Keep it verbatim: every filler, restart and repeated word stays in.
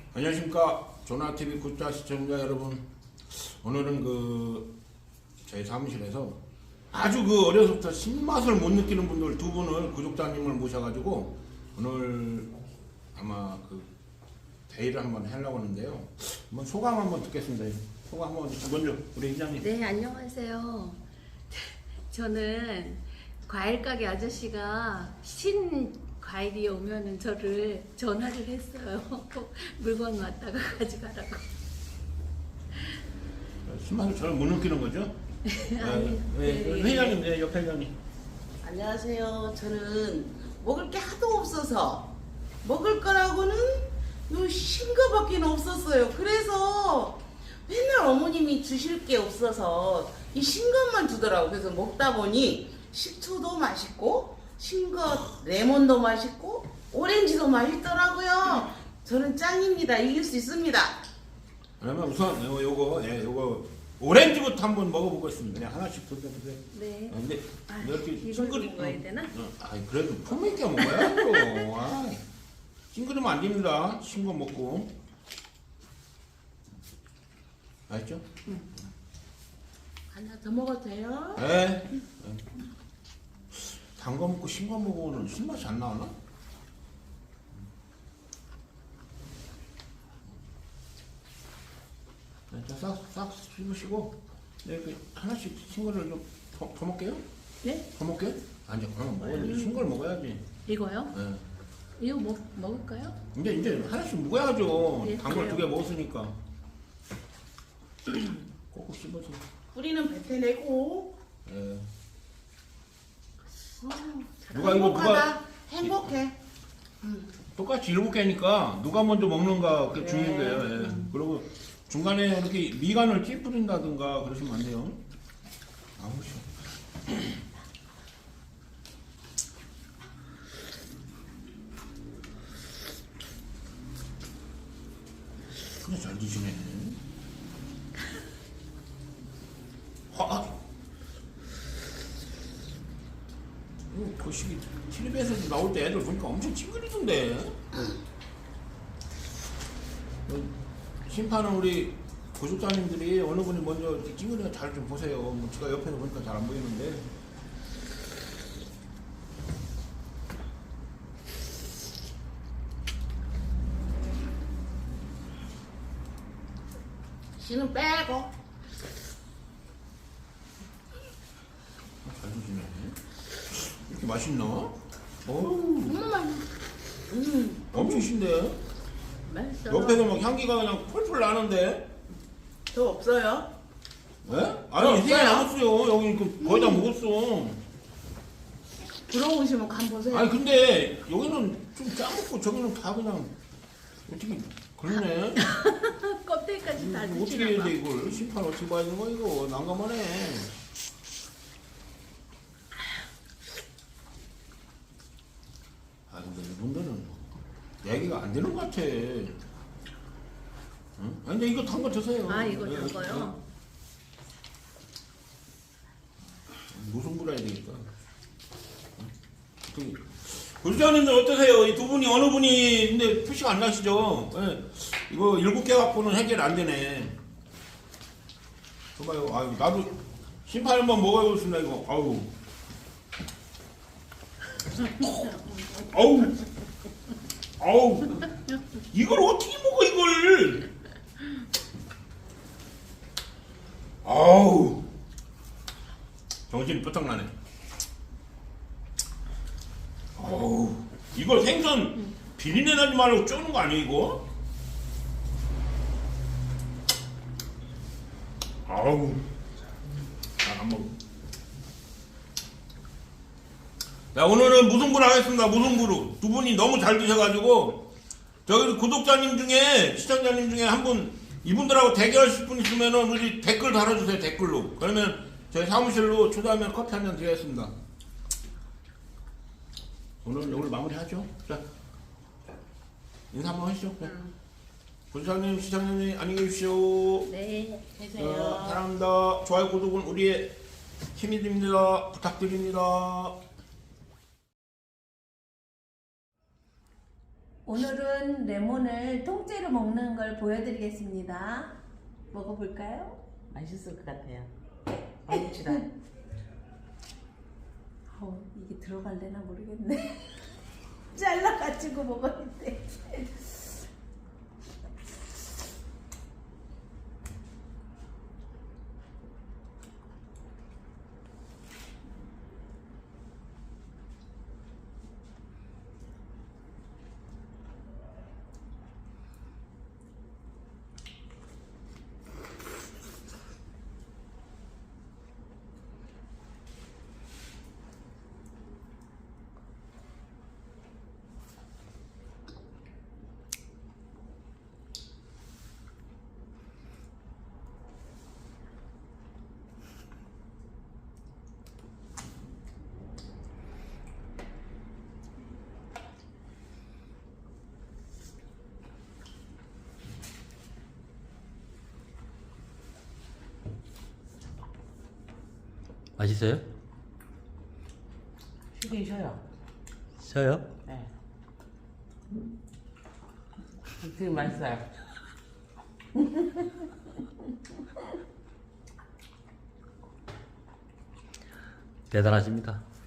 안녕하십니까. 조나티비 구독자 시청자 여러분, 오늘은 그 저희 사무실에서 아주 그 어려서부터 신맛을 못 느끼는 분들 두 분을 구독자님을 모셔가지고 오늘 아마 그 대의를 한번 하려고 하는데요. 한번 소감 한번 듣겠습니다. 소감 한번 먼저 우리 회장님. 네, 안녕하세요. 저는 과일 가게 아저씨가 신 과일이 오면은 저를 전화를 했어요. 물건 왔다가 가져가라고. 신맛을 잘 못 느끼는 거죠? 아니, 네, 네. 회장님, 네, 옆에 회장님. 안녕하세요. 저는 먹을 게 하도 없어서 먹을 거라고는 요 싱거밖에 없었어요. 그래서 맨날 어머님이 주실 게 없어서 이 싱것만 주더라고. 그래서 먹다 보니 식초도 맛있고 싱것 레몬도 맛있고 오렌지도 맛있더라고요. 저는 짱입니다. 이길 수 있습니다. 그러면 우선 요, 요거 예, 요거 오렌지부터 한번 먹어보겠습니다. 그냥 하나씩 드셔보세요. 네. 아, 근데 아, 이렇게 이걸 싱그리 먹어야 되나? 어, 아, 그래도 품 있게 먹어야죠. 아, 싱그리면 안 됩니다. 싱거 먹고. 알죠? 하나 더 먹어도 돼요? 네. 단 거 먹고 싱거 먹으면 신맛이 안 나오나? 네, 자, 싹, 싹 씹으시고, 네, 이렇게 하나씩 싱거를 좀 더, 더 먹게요? 네? 더 먹게? 아니, 그럼 먹어야지. 싱거를 먹어야지. 이거요? 네. 이거 먹, 먹을까요? 이제, 이제 하나씩 먹어야죠. 예, 단 걸 두 개 그래요. 먹었으니까. 꼭꼭 씹어서. 뿌리는 뱉어내고 예. 어, 누가 이거 행복하다. 행복해. 똑같이 일곱 개니까 누가 먼저 먹는가 그게 네. 중요한 거예요. 예. 그리고 중간에 이렇게 미간을 찌푸린다든가 그러시면 안 돼요. 아우 싫어. 그냥 잘 드시네. 아, 이거 거시기 텔레비에서 나올 때 애들 보니까 엄청 찡그리던데. 어, 심판은 우리 구독자님들이 어느 분이 먼저 찡그리가 잘 좀 보세요. 뭐 제가 옆에서 보니까 잘 안 보이는데. 씨는 빼고. 잘 드시네. 이렇게 맛있나? 어우, 음, 음, 엄청 신데? 맛있어. 옆에서 막 향기가 그냥 펄펄 나는데? 더 없어요? 예? 아니, 없어요? 세개 남았어요. 여기 그 거의 다 먹었어. 들어오시면 간 보세요. 아니, 근데 여기는 좀 짜먹고 저기는 다 그냥 어떻게 그러네? 껍데기까지 다 이거 어떻게 해야 드시나 돼, 봐. 이걸? 심판 어떻게 봐야 되는 거야, 이거? 난감하네. 아, 근데 이분들은 얘기가 안 되는 것 같아. 응? 아니, 근데 이거 단 거 드세요. 아, 이거 예, 단 거요? 무슨 불 해야 되니까. 구독자님들 어떠세요? 이 두 분이 어느 분이 근데 표시가 안 나시죠? 예. 이거 일곱 개 갖고는 해결 안 되네. 봐봐요. 아유, 나도 심판 한번 먹어보겠습니다, 이거. 아우. 아우. 아우. 이걸 어떻게 먹어, 이걸? 아우. 정신이 뼈딱 나네. 어우, 이걸 생선 비린내 나지 말고 쪼는 거 아니에요, 이거? 아우, 잘 안 먹어. 자, 오늘은 무승부를 하겠습니다, 무승부로. 두 분이 너무 잘 드셔가지고, 저기 구독자님 중에, 시청자님 중에 한 분, 이분들하고 대결하실 분 있으면은 우리 댓글 달아주세요, 댓글로. 그러면 저희 사무실로 초대하면 커피 한 잔 드리겠습니다. 오늘은 여기를 마무리하죠. 자, 인사 한번 하시죠. 네. 부장님, 시장님 안녕히 계십시오. 네. 계세요. 어, 사랑합니다. 좋아요, 구독은 우리의 힘이 됩니다. 부탁드립니다. 오늘은 레몬을 통째로 먹는 걸 보여드리겠습니다. 먹어볼까요? 맛있을 것 같아요. 맛있다. 어, 이게 들어갈래나 모르겠네. 잘라가지고 먹어야 돼. 맛있어요? 쉬긴 쉬어요. 쉬어요? 네. 되게 맛있어요. 대단하십니다.